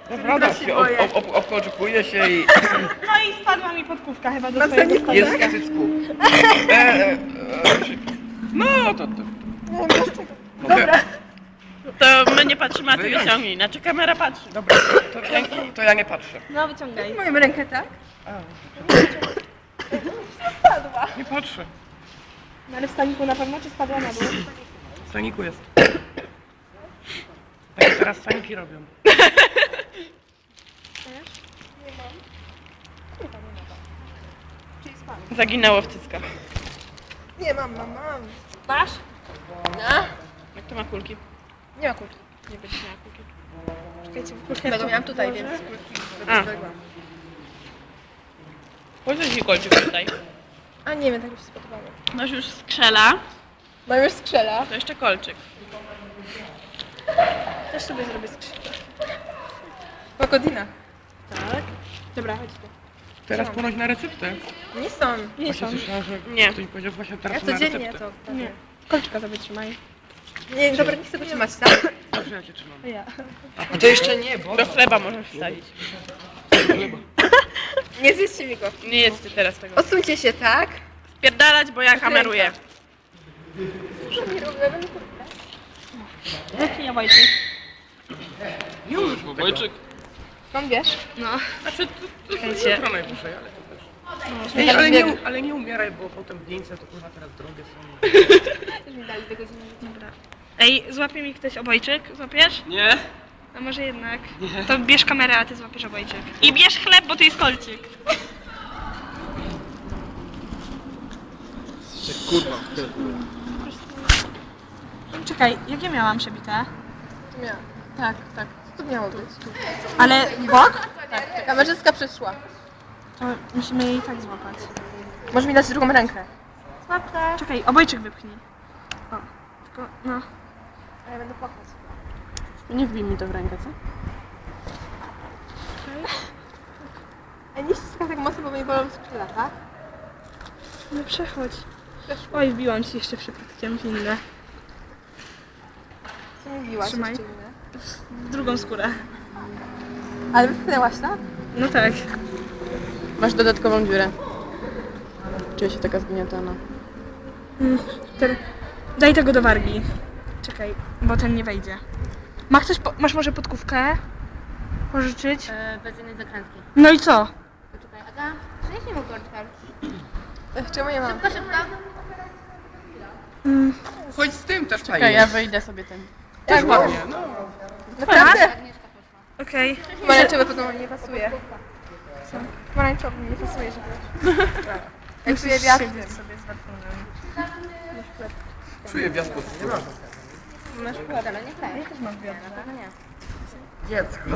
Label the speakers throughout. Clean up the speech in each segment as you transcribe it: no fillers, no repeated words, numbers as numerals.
Speaker 1: Naprawdę się obkolczykuje się i
Speaker 2: No i spadła mi podkówka chyba do swojego
Speaker 1: jest
Speaker 2: stołu.
Speaker 1: w klasycku. No to...
Speaker 2: Dobra.
Speaker 3: To my nie patrzymy, a ty wyciągnij. Znaczy kamera patrzy.
Speaker 1: Dobra, to ja nie patrzę.
Speaker 2: No wyciągaj.
Speaker 4: Moją rękę, tak?
Speaker 1: Nie patrzę.
Speaker 2: No ale w staniku na pewno, czy spadła na dół?
Speaker 1: W staniku jest. Tak jak teraz staniki robią.
Speaker 3: Zaginęło w cyckach.
Speaker 4: Nie, mam.
Speaker 3: Masz?
Speaker 4: No.
Speaker 3: Jak to ma kulki?
Speaker 4: Nie ma kulki.
Speaker 3: Nie będzie miała kulki.
Speaker 2: Czekajcie, kulkę
Speaker 4: Tego miałam tutaj, więc
Speaker 3: A. Chodź ci kolczyk tutaj.
Speaker 4: A nie wiem, tak mi się spodobało.
Speaker 3: Masz już skrzela,
Speaker 4: Mam już skrzela.
Speaker 3: to jeszcze kolczyk.
Speaker 2: też sobie zrobię skrzydło.
Speaker 4: Pagodina.
Speaker 2: Tak. Dobra, chodźcie.
Speaker 1: Teraz ponoć na receptę.
Speaker 4: Nie są.
Speaker 2: Nie są.
Speaker 1: Właśnie słyszałem, że
Speaker 3: Nie.
Speaker 1: ktoś powiedział właśnie
Speaker 4: Ja
Speaker 1: teraz na
Speaker 4: codziennie
Speaker 1: receptę.
Speaker 4: to.
Speaker 2: Nie. Kolczyka sobie trzymaj.
Speaker 4: Nie, dobra, nie chcę go trzymać, tak?
Speaker 1: Dobrze, ja cię trzymam.
Speaker 2: A ja.
Speaker 1: A to jeszcze nie, bo...
Speaker 3: Do chleba możesz wstawić.
Speaker 4: Nie zjedzcie mi go.
Speaker 3: Nie jedzcie teraz tego.
Speaker 4: Odsuńcie się, tak?
Speaker 3: Spierdalać, bo ja kameruję.
Speaker 2: Ja Wojciech.
Speaker 1: Już, Wojczyk.
Speaker 4: Skąd wiesz?
Speaker 2: No.
Speaker 1: Znaczy, to
Speaker 3: Czekajcie.
Speaker 1: jutro najwyżej, ale to też.
Speaker 4: No,
Speaker 1: Ej, ale nie umieraj, bo potem wieńce to kurwa teraz drogie są.
Speaker 4: Też mi dali do godziny.
Speaker 2: Dobra. Ej, złapie mi ktoś obojczyk? Złapiesz?
Speaker 1: Nie.
Speaker 2: A może jednak? Nie. To bierz kamerę, a ty złapiesz obojczyk. I bierz chleb, bo to jest kolczyk.
Speaker 1: Kurwa.
Speaker 2: Czekaj, jakie miałam przebite?
Speaker 4: To miałam.
Speaker 2: Tak, tak.
Speaker 4: Co to miało być?
Speaker 2: Ale bok?
Speaker 4: Tak, kamerzystka przeszła.
Speaker 2: To musimy jej tak złapać.
Speaker 4: Możesz mi dać drugą rękę.
Speaker 2: Czekaj, obojczyk wypchnij. O, tylko, no.
Speaker 4: A ja będę płakać.
Speaker 3: Nie wbij mi to w rękę, co?
Speaker 4: A nie ściskam tak mocno, bo mnie bolą skrzydła, tak?
Speaker 2: No przechodź. Oj, wbiłam ci jeszcze przypadkiem w inne.
Speaker 4: Co mi biłaś
Speaker 2: Trzymaj.
Speaker 4: jeszcze inne?
Speaker 2: W drugą skórę.
Speaker 4: Ale wypchnęłaś, tak?
Speaker 2: No tak.
Speaker 3: Masz dodatkową dziurę. Czuję się taka zgniatana.
Speaker 2: Daj tego do wargi. Czekaj, bo ten nie wejdzie. Ma ktoś, masz może podkówkę? Pożyczyć?
Speaker 5: Bez jednej zakrętki.
Speaker 2: No i co?
Speaker 5: Poczekaj, Aga, przynieś mi mu korczkę.
Speaker 4: Czemu nie mam?
Speaker 5: Szybko, szybko.
Speaker 1: Chodź z tym też
Speaker 3: Czekaj,
Speaker 1: fajnie.
Speaker 3: ja wyjdę sobie tym.
Speaker 1: Też ładnie, no.
Speaker 4: Naprawdę?
Speaker 5: Agnieszka poszła.
Speaker 2: Okej.
Speaker 4: Pomarańczowy potem nie pasuje. Pomarańczowy nie pasuje, żeby... Jak czuję wiatr.
Speaker 2: Siedzieć sobie z warfunem.
Speaker 1: Czuję wiatr pod skórą.
Speaker 4: Masz chłód.
Speaker 5: Ale nie chcę.
Speaker 2: Też mam wiatr.
Speaker 5: Na pewno nie.
Speaker 1: Dziecko.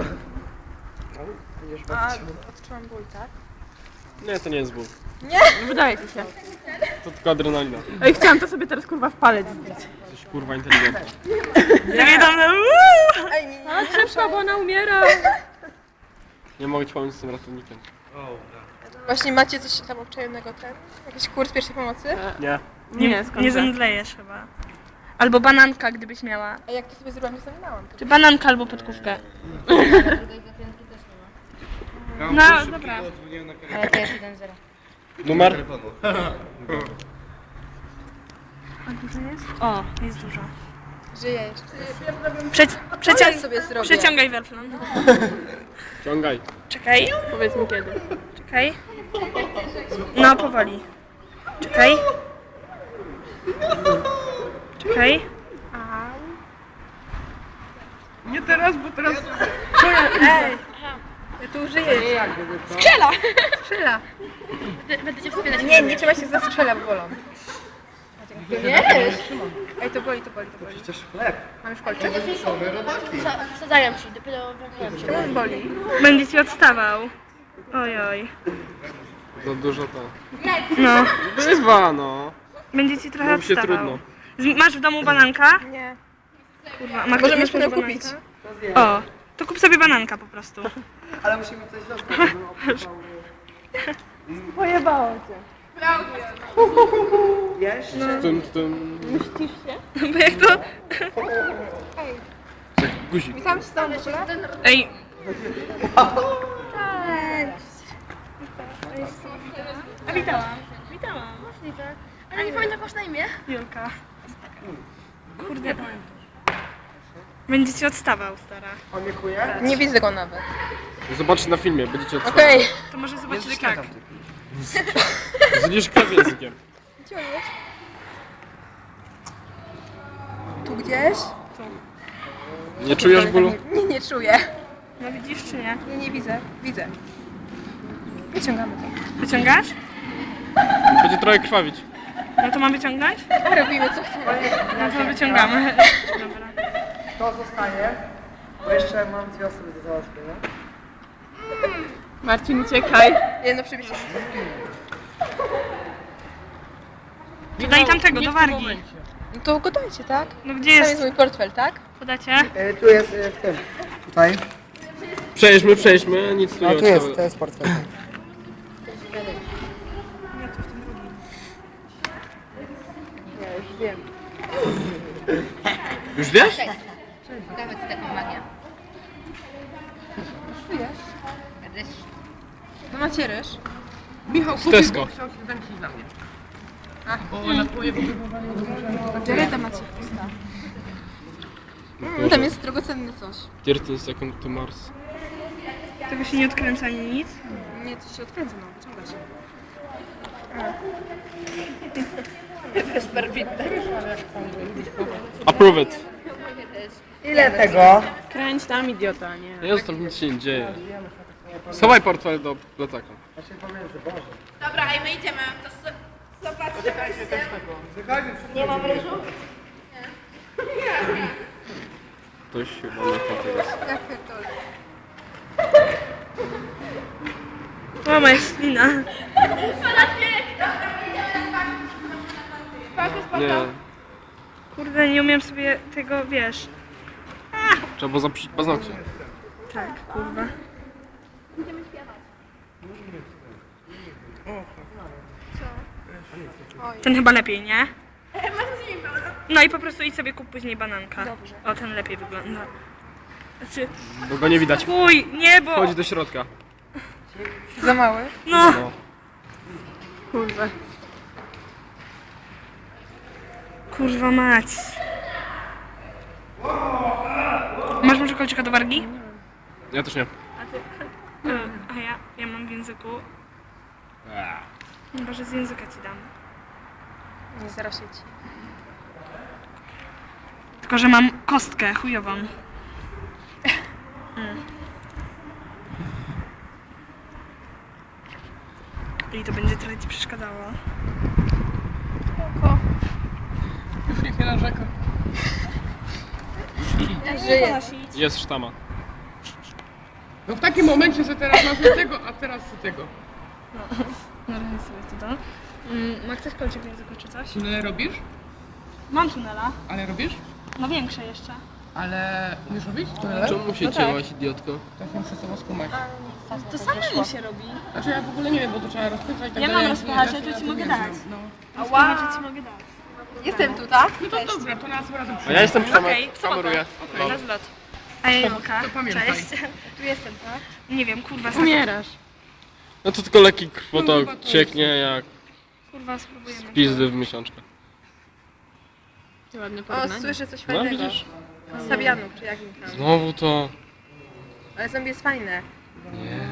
Speaker 4: A, odczułam ból, tak?
Speaker 6: Nie, to nie jest ból.
Speaker 3: Wydaje ci się.
Speaker 6: To tylko adrenalina.
Speaker 3: Ej, chciałam to sobie teraz kurwa w palec wbić.
Speaker 6: Jesteś kurwa inteligentna.
Speaker 3: Ja nie dam na...
Speaker 4: Ej, nie.
Speaker 3: A szybko, bo ona umiera.
Speaker 6: Nie mogę ci pomóc z tym ratownikiem.
Speaker 4: Właśnie macie coś tam obczajonego, ten? Jakiś kurs pierwszej pomocy?
Speaker 6: Nie.
Speaker 3: Nie, skąd?
Speaker 2: Nie zemdlejesz chyba. Albo bananka, gdybyś miała.
Speaker 4: A jak to sobie zrobiłam, nie zaminałam.
Speaker 2: Czy bananka albo podkówkę.
Speaker 5: Drugiej zakrętki też nie ma.
Speaker 2: No, dobra.
Speaker 5: Ale to jest 1-0.
Speaker 6: Numer?
Speaker 2: A dużo jest? O, jest dużo.
Speaker 4: Żyję jeszcze.
Speaker 2: Przeciąg,
Speaker 4: Ja sobie zrobię.
Speaker 2: przeciągaj werflon.
Speaker 6: Ciągaj.
Speaker 2: Czekaj,
Speaker 3: Powiedz mi kiedy.
Speaker 2: czekaj. No, powoli. Czekaj. Czekaj.
Speaker 1: Nie teraz, bo teraz...
Speaker 2: Ej!
Speaker 4: Ja tu żyję.
Speaker 2: Strzela!
Speaker 5: Będę cię wspierać.
Speaker 4: Nie, nie trzeba się zastrzela, bo bolą.
Speaker 5: Wiesz?
Speaker 4: Ej, to boli, to boli, to boli.
Speaker 1: Przecież chleb.
Speaker 4: Mam już kolczyk?
Speaker 5: Wsadzają ci, dopiero wracają ci.
Speaker 4: Czemu boli?
Speaker 2: Będzie ci odstawał. Ojoj.
Speaker 6: Za dużo to.
Speaker 2: No,
Speaker 6: Bywa, no.
Speaker 2: będzie ci trochę
Speaker 6: Robi się
Speaker 2: odstawał.
Speaker 6: trudno.
Speaker 2: Masz w domu bananka?
Speaker 4: Nie.
Speaker 2: Kurwa,
Speaker 4: Możemy
Speaker 2: masz
Speaker 4: potem
Speaker 2: bananka?
Speaker 4: kupić.
Speaker 2: O, to kup sobie bananka po prostu.
Speaker 1: Ale musimy coś zostawić.
Speaker 4: Pojebało cię.
Speaker 6: Tym.
Speaker 2: Bo jak to...
Speaker 6: Jak guzik.
Speaker 4: Witam cię stąd w ogóle.
Speaker 2: Ej, A widziałam. Widziałam.
Speaker 5: Możliwe. Ale nie pamiętam, jak masz na imię?
Speaker 2: Julka. Kurde. Będzie ci odstawał, stara.
Speaker 3: Nie widzę go nawet.
Speaker 6: Zobaczcie na filmie, będziecie odsłonić.
Speaker 3: Okej.
Speaker 2: To może zobaczyć tak.
Speaker 6: Zniszczkę językiem.
Speaker 4: Gdzie on jest? Tu gdzieś?
Speaker 6: Nie czujesz bólu?
Speaker 4: Nie czuję.
Speaker 2: No widzisz czy nie?
Speaker 4: Nie widzę. Widzę. Wyciągamy to.
Speaker 2: Wyciągasz?
Speaker 6: Będzie trochę krwawić.
Speaker 2: No to mam wyciągnąć?
Speaker 4: A robimy co chcemy.
Speaker 2: No to wyciągamy. Dobra.
Speaker 7: To zostaje, bo jeszcze mam 2 osoby do załatwienia.
Speaker 3: Marcin, uciekaj.
Speaker 4: Jedno przybicie.
Speaker 2: Daj tamtego, do wargi.
Speaker 4: No to go dajcie, tak?
Speaker 2: No gdzie
Speaker 4: Tam
Speaker 2: jest?
Speaker 4: jest mój portfel, tak?
Speaker 2: Podacie?
Speaker 7: Tu jest w tym. Tutaj.
Speaker 6: Przejdźmy, nic tu
Speaker 7: A
Speaker 6: nie
Speaker 7: tu jest,
Speaker 6: ma.
Speaker 7: to jest portfel.
Speaker 6: Już wiesz?
Speaker 5: Pokażę ci taką magię.
Speaker 4: No macie ryż.
Speaker 1: Michał
Speaker 6: Z
Speaker 1: kupił,
Speaker 6: Tesco.
Speaker 1: bo chciał się zemścić na mnie. Bo na twoje wybudowanie
Speaker 4: Jareda macie pusta. Tam jest drogocenny coś.
Speaker 6: 13 second to Mars.
Speaker 2: Tego się nie odkręca ani nic.
Speaker 4: Nie, to się odkręca, no, wyciąga się.
Speaker 6: Approve it.
Speaker 7: Ile tego?
Speaker 3: Kręć tam, idiota, nie.
Speaker 6: Nie zostaw, nic się nie dzieje. Schowaj portfel do plecaka.
Speaker 5: Dobra, i my idziemy. To zobaczcie.
Speaker 6: Ktoś chyba nie chce tego.
Speaker 4: Ja pierdolę.
Speaker 2: Mama jest ślina.
Speaker 6: Nie,
Speaker 2: Kurde, nie umiem sobie tego, wiesz.
Speaker 6: trzeba było zapisać paznokcie.
Speaker 2: Tak, kurwa. Ten chyba lepiej, nie? No i po prostu idź sobie kup później bananka. Dobrze. O, ten lepiej wygląda. Znaczy,
Speaker 6: Bo go nie widać.
Speaker 2: chuj, nie, bo...
Speaker 6: Wchodzi do środka.
Speaker 4: Za mały?
Speaker 2: No,
Speaker 6: No.
Speaker 2: kurwa mać. Masz może kolczyka do wargi?
Speaker 6: Ja też nie.
Speaker 2: A ja mam w języku. Chyba, że z języka ci dam.
Speaker 4: Nie zarośnie ci.
Speaker 2: Tylko, że mam kostkę chujową. I to będzie trochę ci przeszkadzało.
Speaker 1: już niech nie narzeka.
Speaker 4: Żyje.
Speaker 6: Jest sztama.
Speaker 1: No w takim momencie, że teraz masz do tego, a teraz do tego.
Speaker 2: No, sobie to. Ma ktoś kolczyk w języku czy coś?
Speaker 1: Tunele robisz?
Speaker 2: Mam tunela.
Speaker 1: Ale robisz?
Speaker 2: No większe jeszcze.
Speaker 1: Ale umiesz robić tunele?
Speaker 6: Czemu się cięłaś, idiotko?
Speaker 1: Tak nie przestała skumać.
Speaker 2: To samemu się robi.
Speaker 1: Znaczy ja w ogóle nie wiem, bo to trzeba rozpychać i tak
Speaker 2: Ja
Speaker 1: dalej.
Speaker 2: mam rozpychacze, to ci mogę dać.
Speaker 1: No.
Speaker 2: Rozpychacze ci mogę dać.
Speaker 4: Jestem tu, tak?
Speaker 1: No to dobra, to nas razem
Speaker 6: A ja jestem
Speaker 2: Okej,
Speaker 6: kameruję. No.
Speaker 2: Na zlot. A ja Julka.
Speaker 1: To pamiętaj.
Speaker 2: Cześć.
Speaker 4: Tu jestem, tak?
Speaker 2: Nie wiem, kurwa,
Speaker 3: Umierasz.
Speaker 6: No to tylko lekki krwotok cieknie jak
Speaker 2: kurwa, spróbujemy.
Speaker 6: pizdy w miesiączkę.
Speaker 3: Ładne
Speaker 4: O,
Speaker 3: porównanie.
Speaker 4: słyszę coś
Speaker 6: No
Speaker 4: fajnego.
Speaker 6: widzisz?
Speaker 4: Z Sabianów, czy jakim tam.
Speaker 6: Znowu to...
Speaker 4: Ale zombie jest fajne.
Speaker 6: Nie.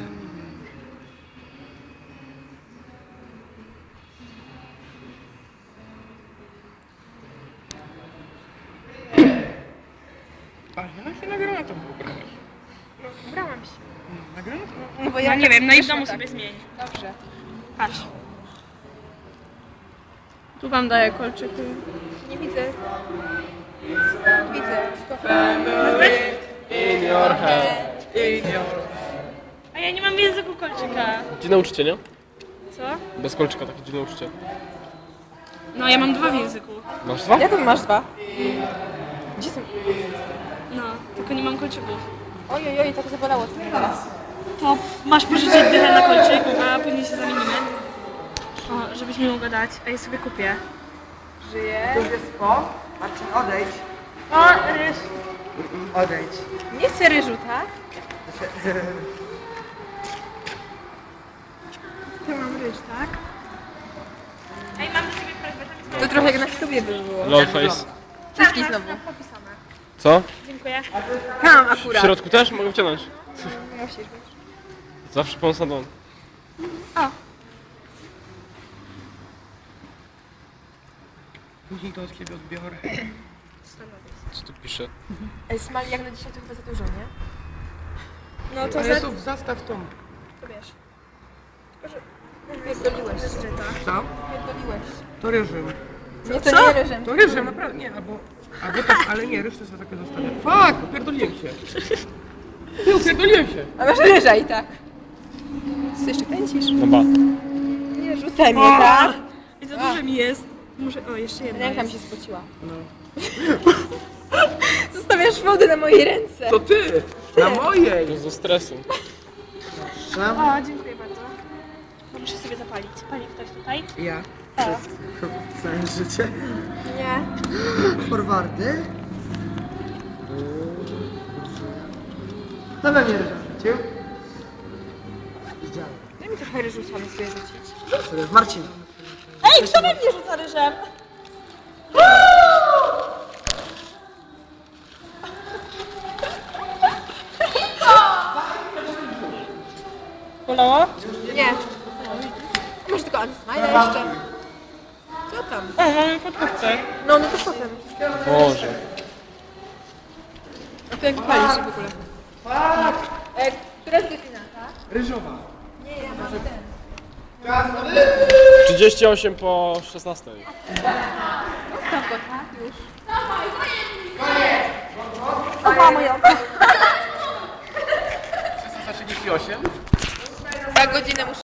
Speaker 1: A ja się na granatą ubrałeś.
Speaker 4: Ubrałam się.
Speaker 1: Na granatą?
Speaker 4: No bo
Speaker 2: Ja nie wiem, no i w domu
Speaker 4: tak.
Speaker 2: sobie zmień.
Speaker 4: Dobrze.
Speaker 2: Patrz.
Speaker 3: Tu wam daję kolczyki.
Speaker 4: Nie widzę. Widzę.
Speaker 6: In your head.
Speaker 2: A ja nie mam w języku kolczyka.
Speaker 6: Dziwne uczucie, nie?
Speaker 2: Co?
Speaker 6: Bez kolczyka takie dziwne uczucie.
Speaker 2: No, ja mam 2 w języku.
Speaker 6: Masz 2?
Speaker 4: Jak on masz 2? Gdzie są?
Speaker 2: No, tylko nie mam kolczyków.
Speaker 4: Oj, tak zabolało to teraz.
Speaker 2: To masz pożyczyć dychę na kolczyk, a później się zamienimy. O, żebyś mi mogła dać, a ja sobie kupię.
Speaker 4: Żyje.
Speaker 7: To już jest po. Marcin, odejdź.
Speaker 2: O, ryż.
Speaker 7: Odejdź.
Speaker 4: Nie chcę ryżu, tak?
Speaker 2: Tu mam ryż, tak? Ej, mam do ciebie prośbę, tam jest
Speaker 4: To trochę jak na ślubie by było.
Speaker 6: Lolface.
Speaker 4: Cycki znowu.
Speaker 2: popisane.
Speaker 6: Co?
Speaker 2: Dziękuję.
Speaker 4: Tam
Speaker 6: W
Speaker 4: akurat.
Speaker 6: środku też? Mogę wciągnąć.
Speaker 4: Musisz być.
Speaker 6: Zawsze pomysł na dłoń.
Speaker 1: Później to od ciebie odbiorę.
Speaker 6: Co tu pisze?
Speaker 4: Ej, smali jak na dzisiaj to chyba za dużo, nie?
Speaker 2: No to
Speaker 1: Ale to zastaw tą.
Speaker 2: wiesz.
Speaker 4: Pierdoliłeś.
Speaker 1: Co?
Speaker 4: Pierdoliłeś.
Speaker 1: To reżim.
Speaker 4: Nie, to nie ryżem.
Speaker 1: To ryżem, naprawdę. Nie, albo tak, ale nie, resztę sobie takie zostawię. Fuck! Upierdoliłem się. Ty, upierdoliłem się.
Speaker 4: A masz ryża i tak. Co jeszcze kręcisz?
Speaker 6: No ba.
Speaker 4: Nie, rzucaj mnie, tak?
Speaker 2: I za dużo mi jest. Muszę, o, jeszcze jedna
Speaker 4: Ręka mi
Speaker 2: jest.
Speaker 4: się spociła.
Speaker 1: No.
Speaker 4: Zostawiasz wodę na mojej ręce.
Speaker 1: To ty! Na mojej!
Speaker 6: To ze stresu.
Speaker 2: O, dziękuję bardzo. Muszę sobie zapalić. Pali ktoś tutaj?
Speaker 1: Ja.
Speaker 7: Znajesz życie?
Speaker 4: Nie.
Speaker 7: Forwardy. To we mnie rzucił. Widziałem.
Speaker 4: Daj mi trochę ryżu sami sobie rzucić.
Speaker 7: Marcin.
Speaker 2: Ej, kto we mnie rzuca ryżem? Bolało?
Speaker 4: Nie. Może tylko Antismile jeszcze. Co tam?
Speaker 2: O, mamy podkówkę.
Speaker 4: No to potem.
Speaker 6: Boże.
Speaker 4: A to jak palisz w ogóle? Która jest godzina, tak?
Speaker 1: Ryżowa.
Speaker 6: 38 po 16.
Speaker 4: Zostaw go, tak? Już.
Speaker 2: Opa, moja oko.
Speaker 1: 38?
Speaker 4: Za godzinę muszę